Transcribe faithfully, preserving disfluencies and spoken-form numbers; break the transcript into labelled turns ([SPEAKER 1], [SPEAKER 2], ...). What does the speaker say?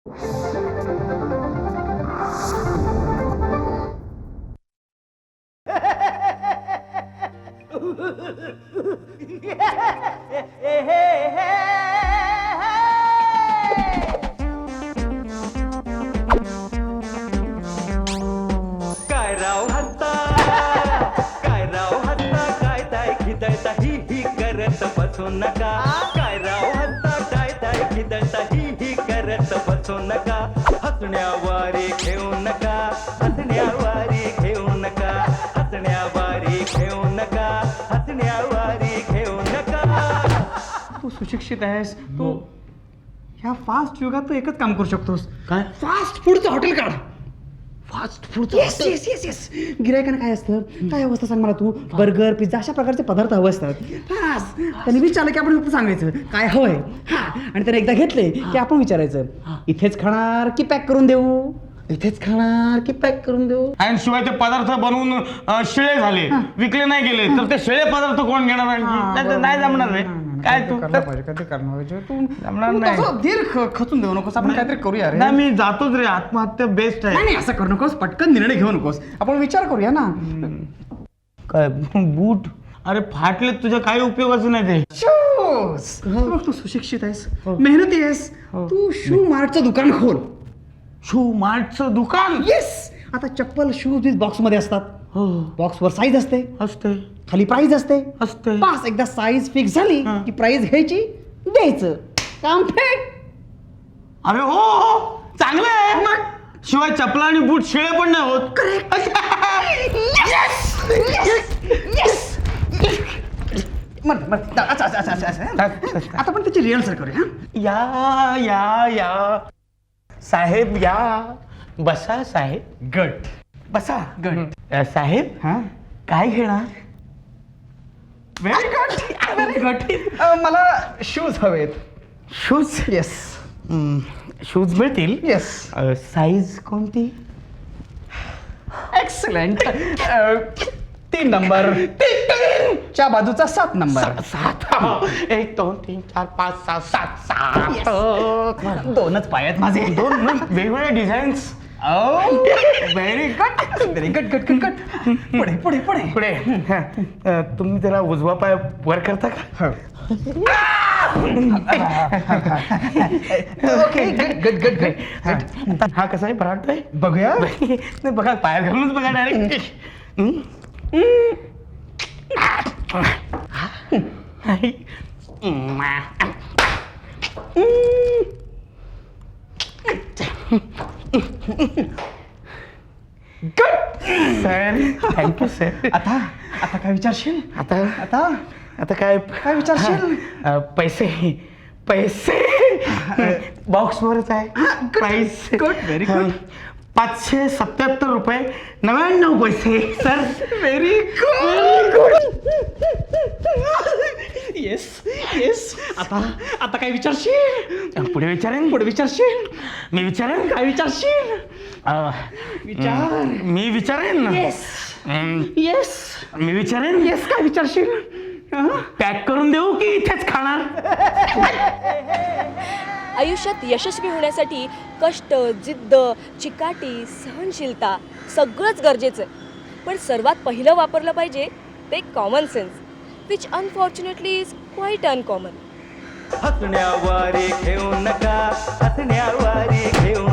[SPEAKER 1] काय राव हत्ता काय राव हत्ता काय ताय खिदळता ही ही करत बसू नका काय राव हत्ता काय ताय खिदळता ही ही करत बसू नका हसण्यावारे घेऊ नका हसण्यावारे घेऊ नका हसण्यावारे घेऊ नका हसण्यावारे घेऊ नका.
[SPEAKER 2] तू सुशिक्षित आहेस तू ह्या फास्ट युगात तू एकच काम करू शकतोस.
[SPEAKER 3] काय?
[SPEAKER 2] फास्ट फूडचं हॉटेल काढ.
[SPEAKER 3] Fast food
[SPEAKER 2] yes yes yes yes गिरायकांना काय असतं काय अवस्था सांग मला तू बर्गर पिझ्झा अशा प्रकारचे पदार्थ हवे असतात. बस त्यांनी विचारलं की आपण फक्त सांगायचं काय हवंय हा आणि त्याने एकदा घेतले की आपण विचारायचं इथेच खाणार की पॅक करून देऊ
[SPEAKER 3] इथेच खाणार की पॅक करून देऊ. आणि शिवाय ते पदार्थ बनवून अं, शिळे झाले विकले नाही गेले तर ते शिळे पदार्थ कोण घेणार आणखी? नाही तर नाही जमणार रे. काय तू
[SPEAKER 2] करणार पाहिजे कधी करणार पाहिजे तू
[SPEAKER 3] जमणार
[SPEAKER 2] तू
[SPEAKER 3] नाही.
[SPEAKER 2] तसं धीर ख- खचून देऊ नकोस आपण काहीतरी करूया रे.
[SPEAKER 3] नाही मी जातोच रे आत्महत्या बेस्ट आहे.
[SPEAKER 2] नाही नाही असं करू नकोस पटकन निर्णय घेऊ नकोस आपण विचार करूया ना.
[SPEAKER 3] काय बूट अरे फाटले तुझ्या काही उपयोगाचं नाही ते.
[SPEAKER 2] शूज बघ तू सुशिक्षित आहेस मेहनती आहेस तू शू मार्टचं दुकान खोल.
[SPEAKER 3] शू मार्टचं दुकान.
[SPEAKER 2] येस आता चप्पल शूज बीज बॉक्स मध्ये असतात
[SPEAKER 3] हो
[SPEAKER 2] बॉक्सवर साईज असते
[SPEAKER 3] असते
[SPEAKER 2] खाली प्राइस असते
[SPEAKER 3] असते.
[SPEAKER 2] पास एकदा साईज फिक्स झाली
[SPEAKER 3] हा.
[SPEAKER 2] की प्राइस घ्यायची द्यायचं काम फेक.
[SPEAKER 3] अरे हो हो चांगलं आहे. शिवाय चपला आणि बूट शिळे पण नाही होत.
[SPEAKER 2] अच्छा अच्छा अच्छा अच्छा आता पण त्याची रिहर्सल करूया हा?
[SPEAKER 3] या या या साहेब या बसा साहेब.
[SPEAKER 2] गट
[SPEAKER 3] बसा
[SPEAKER 2] गट
[SPEAKER 3] अ, साहेब
[SPEAKER 2] हा
[SPEAKER 3] काय घेणार.
[SPEAKER 2] व्हेरी गुड व्हेरी गुड मला शूज हवेत.
[SPEAKER 3] शूज
[SPEAKER 2] येस
[SPEAKER 3] शूज मिळतील.
[SPEAKER 2] येस
[SPEAKER 3] साईज कोणती.
[SPEAKER 2] एक्सलंट तीन नंबर च्या बाजूचा सात नंबर.
[SPEAKER 3] सात एक दोन तीन चार पाच सहा सात सात
[SPEAKER 2] दोनच पाय आहेत माझे.
[SPEAKER 3] दोन न, वेगवेगळे designs.
[SPEAKER 2] Very good very good good good good पुढे पुढे पुढे
[SPEAKER 3] पुढे हा, अ, तुम्ही जरा उजवा पाय वर करता का.
[SPEAKER 2] Okay good good good good
[SPEAKER 3] हा कसा आहे बराट आहे.
[SPEAKER 2] बघूया
[SPEAKER 3] नाही बघा पायात घालूनच बघा डायरेक्ट. Sir thank you sir.
[SPEAKER 2] आता आता काय विचारशील
[SPEAKER 3] आता
[SPEAKER 2] आता
[SPEAKER 3] आता काय
[SPEAKER 2] काय विचारशील?
[SPEAKER 3] अ, पैसे पैसे बॉक्सवरच आहे प्राईस.
[SPEAKER 2] गुड व्हेरी गुड
[SPEAKER 3] पाचशे सत्याहत्तर रुपये नव्याण्णव पैसे sir.
[SPEAKER 2] Very good yes yes आता आता काय विचारशील
[SPEAKER 3] पुढे विचारेन.
[SPEAKER 2] पुढे विचारशील
[SPEAKER 3] मी विचारेन.
[SPEAKER 2] काय विचारशील
[SPEAKER 3] अ,
[SPEAKER 2] विचार
[SPEAKER 3] मी विचारेन.
[SPEAKER 2] येस
[SPEAKER 3] हम्म,
[SPEAKER 2] येस
[SPEAKER 3] मी विचारेन.
[SPEAKER 2] येस काय विचारशील
[SPEAKER 3] पॅक करून देऊ की इथेच खाणार.
[SPEAKER 4] आयुष्यात यशस्वी होण्यासाठी कष्ट जिद्द चिकाटी सहनशीलता सगळंच गरजेचं आहे पण सर्वात पहिलं वापरलं पाहिजे ते common sense which unfortunately is quite uncommon.
[SPEAKER 1] हसण्यावारे घेऊ नका हसण्यावारे घेऊ